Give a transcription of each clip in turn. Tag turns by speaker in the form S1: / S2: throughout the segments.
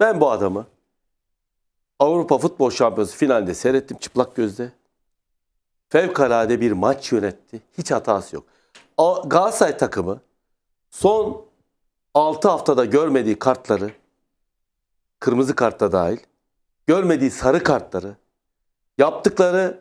S1: Ben bu adamı Avrupa Futbol Şampiyonası finalde seyrettim çıplak gözle. Fevkalade bir maç yönetti. Hiç hatası yok. Galatasaray takımı son 6 haftada görmediği kartları, kırmızı kartta dahil, görmediği sarı kartları, yaptıkları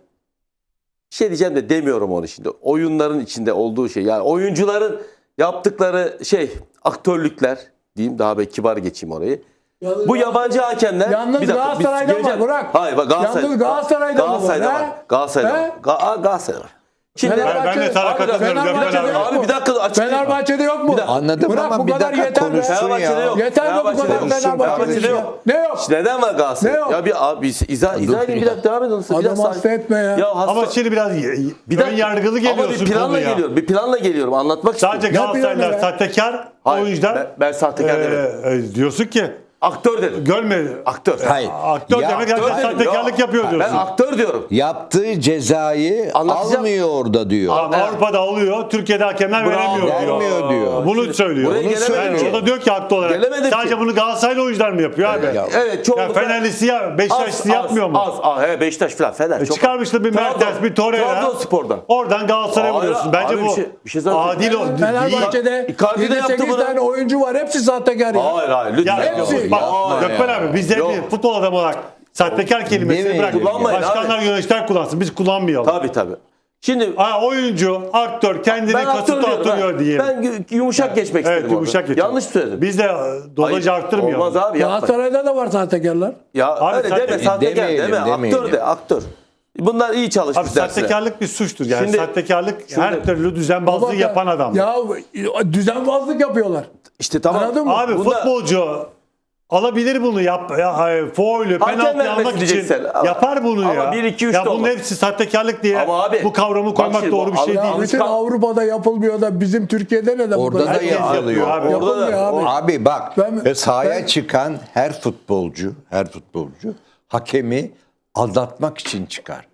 S1: şey diyeceğim de demiyorum onun içinde. Oyunların içinde olduğu şey. Yani oyuncuların yaptıkları aktörlükler diyeyim, daha bir kibar geçeyim orayı. Bu yabancı hakemler...
S2: Yalnız Galatasaray'da var Burak.
S1: Hayır bak Galatasaray.
S2: Yalnız Galatasaray'da var.
S1: Galatasaray'da var.
S3: Şimdi ben de sana katılıyorum.
S1: Abi bir dakika açıklayayım.
S2: Fenerbahçe'de yok mu?
S4: Anladım
S2: Bırak,
S4: ama
S2: bu
S4: bir
S2: kadar
S4: dakika
S2: yeter be.
S4: konuşsun ya.
S2: Yeter mi bu kadar Fenerbahçe'de
S1: yok.
S2: Ne yok?
S1: Neden var Galatasaray?
S2: Ne yok?
S1: Ya bir izah edin, bir dakika devam edin.
S2: Adam hasta etme ya.
S3: Ama şimdi biraz ön yargılı geliyorsun.
S1: Ama bir planla geliyorum. Bir planla geliyorum. Anlatmak istiyorum.
S3: Sadece Galatasaraylılar sahtekar. O yüzden
S1: ben sahtekar demedim.
S3: diyorsun ki
S1: aktör dedim.
S3: görmedi.
S1: Aktör.
S4: Hayır.
S3: Aktör demek herkes sahtekarlık yapıyor diyorsun.
S1: Ben aktör diyorum.
S4: Yaptığı cezayı almıyor orada diyor.
S3: Avrupa'da alıyor, Türkiye'de hakemler veremiyor diyor. Bunu söylüyor. Yani o da diyor ki haklı olarak. Sadece bunu Galatasaraylı oyuncular mı yapıyor abi?
S1: Evet, çok.
S3: Fenerlisi ya, Beşiktaşlısı yapmıyor mu?
S1: Beşiktaş falan Fener.
S3: Çıkarmıştı bir Mertens, bir Torreira.
S1: Trabzonspor'dan.
S3: Oradan Galatasaray'a vuruyorsun. Bence bu adil o.
S2: Fenerbahçe'de
S1: Icardi de yaptı
S2: 7-8
S1: bunu.
S2: tane oyuncu var. Hepsi sahtekar ya.
S1: Hayır lütfen.
S2: Hepsi.
S3: Bak Gökmen abi biz de futbol adamı olarak sahtekar kelimesini bırak. Başkanlar yöneticiler kullansın. Biz kullanmayalım.
S1: Tabii. Şimdi
S3: oyuncu, aktör kendini kasıtlı atıyor diyelim.
S1: Ben yumuşak geçmek istedim.
S3: Evet yumuşak geçelim.
S1: Yanlış söyledim.
S3: Biz de dozajı arttırmayalım.
S1: Olmaz abi yapma.
S2: Galatasaray'da da var sahtekarlar.
S1: Ya
S3: Abi,
S1: öyle deme sahtekar deme. Aktör de aktör. Bunlar iyi çalışmış
S3: Abi
S1: dersler.
S3: sahtekarlık bir suçtur yani.
S1: Şimdi-
S3: sahtekarlık her türlü düzenbazlığı yapan adam.
S2: Ya düzenbazlık yapıyorlar.
S1: İşte tamam.
S2: Anladın mı?
S3: Abi futbolcu alabilir bunu faulü, penaltı almak için yapar bunu
S1: ama
S3: ya.
S1: 1, 2, 3
S3: ya
S1: de
S3: bunun
S1: olmaz.
S3: hepsi sahtekarlık diye
S1: Ama abi,
S3: bu kavramı
S1: bak
S3: koymak
S1: şimdi,
S3: doğru bir şey
S2: Ya
S3: değil.
S2: bütün Avrupa'da yapılmıyor da bizim Türkiye'de neden bu
S4: Orada
S2: kadar?
S4: da
S3: Herkes
S4: yapılıyor.
S3: abi.
S2: Yapılmıyor abi.
S4: Abi bak
S2: Ben-
S4: sahaya çıkan her futbolcu hakemi aldatmak için çıkar.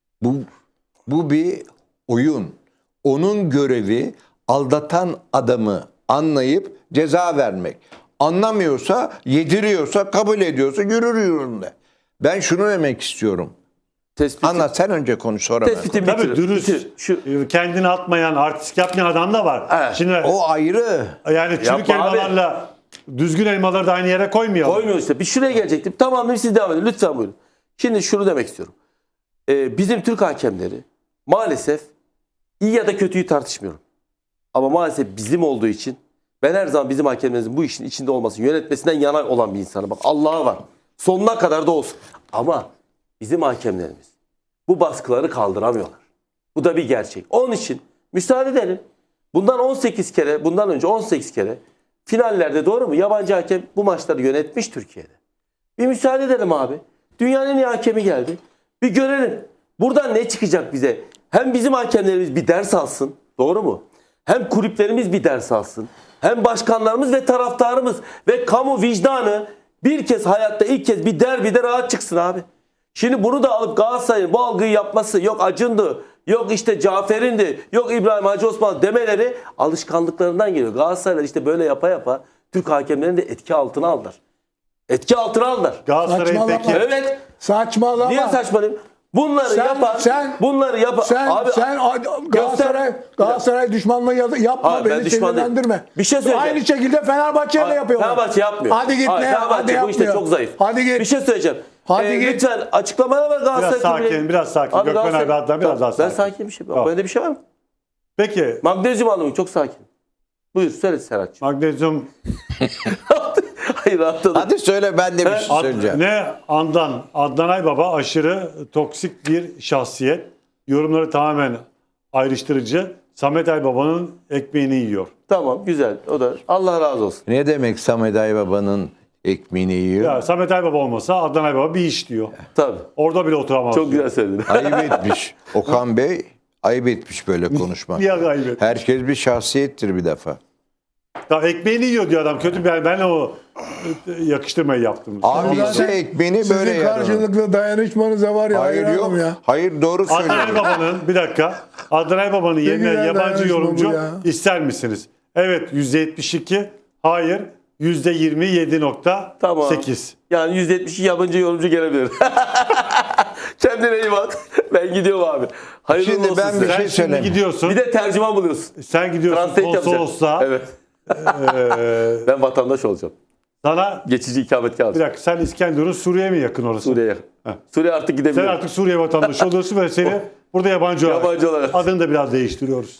S4: Bu bir oyun. Onun görevi aldatan adamı anlayıp ceza vermek. Anlamıyorsa, yediriyorsa, kabul ediyorsa yürür yolunda. Ben şunu demek istiyorum. Anlat sen önce konuş sonra ben.
S1: Tespitimi
S3: Tabii
S1: bitir.
S3: dürüst, kendini atmayan, artistik yapmayan adam da var.
S1: Evet.
S3: Şimdi
S4: O ayrı.
S3: yani çürük
S1: Yapma abi.
S3: elmalarla düzgün elmaları da aynı yere koymayalım.
S1: Koymuyor işte. Bir şuraya gelecektim. Tamam siz devam edin. Lütfen buyurun. Şimdi şunu demek istiyorum. Bizim Türk hakemleri maalesef iyi ya da kötüyü tartışmıyorum. Ama maalesef bizim olduğu için ben her zaman bizim hakemlerimizin bu işin içinde olmasını, yönetmesinden yana olan bir insanım. Bak Allah'a var. Sonuna kadar da olsun. Ama bizim hakemlerimiz bu baskıları kaldıramıyorlar. Bu da bir gerçek. Onun için müsaade edelim. Bundan önce 18 kere finallerde doğru mu? Yabancı hakem bu maçları yönetmiş Türkiye'de. Bir müsaade edelim abi. Dünyanın en iyi hakemi geldi. Bir görelim. Buradan ne çıkacak bize? Hem bizim hakemlerimiz bir ders alsın. Doğru mu? Hem kulüplerimiz bir ders alsın. Hem başkanlarımız ve taraftarımız ve kamu vicdanı bir kez hayatta ilk kez bir derbide rahat çıksın abi. Şimdi bunu da alıp Galatasaray'ın bu algıyı yapması, yok Acun'du, yok işte Cafer'indi, yok İbrahim Hacı Osman demeleri alışkanlıklarından geliyor. Galatasaraylar işte böyle yapa Türk hakemlerini de etki altına aldılar. Etki altına aldılar.
S3: Galatasaray'ın
S2: Saçmalama.
S3: peki
S1: Evet.
S2: Saçmalama.
S1: Niye saçmalayayım? Bunları yapar.
S2: Sen Galatasaray düşmanlığı yapma,
S1: Hayır, ben
S2: beni
S1: düşman değilim.
S2: sinirlendirme.
S1: Bir şey söyleyeceğim.
S2: Aynı şekilde Fenerbahçe'ye de yapıyorlar.
S1: Fenerbahçe yapmıyor.
S2: Hadi git
S1: Hayır,
S2: ne?
S1: Fenerbahçe
S2: Hadi
S1: bu işte
S2: yapmıyor.
S1: çok zayıf.
S2: Hadi git.
S1: Bir şey söyleyeceğim.
S2: Hadi git.
S1: Lütfen açıklamalar var Galatasaray.
S3: biraz sakin. Gökmen abi hatta biraz daha sakin.
S1: Ben sakin bir şey.
S3: Tamam.
S1: Böyle bir şey var mı?
S3: Peki
S1: Magnezyum alımı çok sakin. Buyur söyle Serhat'cığım.
S3: magnezyum
S1: Hayır rahatladım.
S4: Hadi söyle ben de bir şey söyleyeceğim.
S3: Adnan Aybaba aşırı toksik bir şahsiyet. Yorumları tamamen ayrıştırıcı. Samet Aybaba'nın ekmeğini yiyor.
S1: Tamam güzel. O da Allah razı olsun.
S4: Ne demek Samet Aybaba'nın ekmeğini yiyor?
S3: Ya Samet Aybaba olmasa Adnan Aybaba bir iş diyor.
S1: Tabii.
S3: Orada bile oturamaz.
S1: Çok güzel söyledin.
S4: Ayıp etmiş. Okan Bey ayıp etmiş böyle konuşmak.
S3: Niye ayıp etmiş?
S4: Herkes bir şahsiyettir bir defa.
S3: Ya ekmeğini yiyor diyor adam. Kötü ben o yakıştırmayı yaptım.
S4: Abi ise
S2: Zaten
S4: ekmeğini böyle
S2: Sizin
S4: yer.
S2: karşılıklı dayanışmanıza var ya.
S4: Hayır yok.
S2: hayranım ya.
S4: Hayır doğru
S3: Adnan
S4: söylüyorum.
S3: Aybaba'nın bir dakika. Adnan Aybaba'nın yerine
S2: güzel
S3: yabancı
S2: dayanışma bu
S3: yorumcu
S2: ya.
S3: ister misiniz? Evet %72. Hayır %27.8.
S1: Tamam. Yani %70 yabancı yorumcu gelebilir. Kendine iyi bak. Ben gidiyorum abi. Hayırlı
S4: Şimdi
S1: olsun
S4: ben
S1: size.
S4: bir şey
S3: Sen şimdi
S4: söyleyeyim.
S3: gidiyorsun.
S1: Bir de tercüman buluyorsun.
S3: Sen gidiyorsun
S1: Translate yapacağım.
S3: konsolosluğa.
S1: Evet. Ben vatandaş olacağım.
S3: Sana
S1: Geçici ikametgah
S3: bir
S1: alacağım.
S3: dakika, sen İskenderun Suriye'ye mi yakın orası?
S1: Suriye'ye. Suriye artık
S3: Sen
S1: gidebiliyor.
S3: artık Suriye vatandaşı oluyorsun ve seni burada yabancı olarak
S1: Yabancı olarak.
S3: adını da biraz değiştiriyoruz.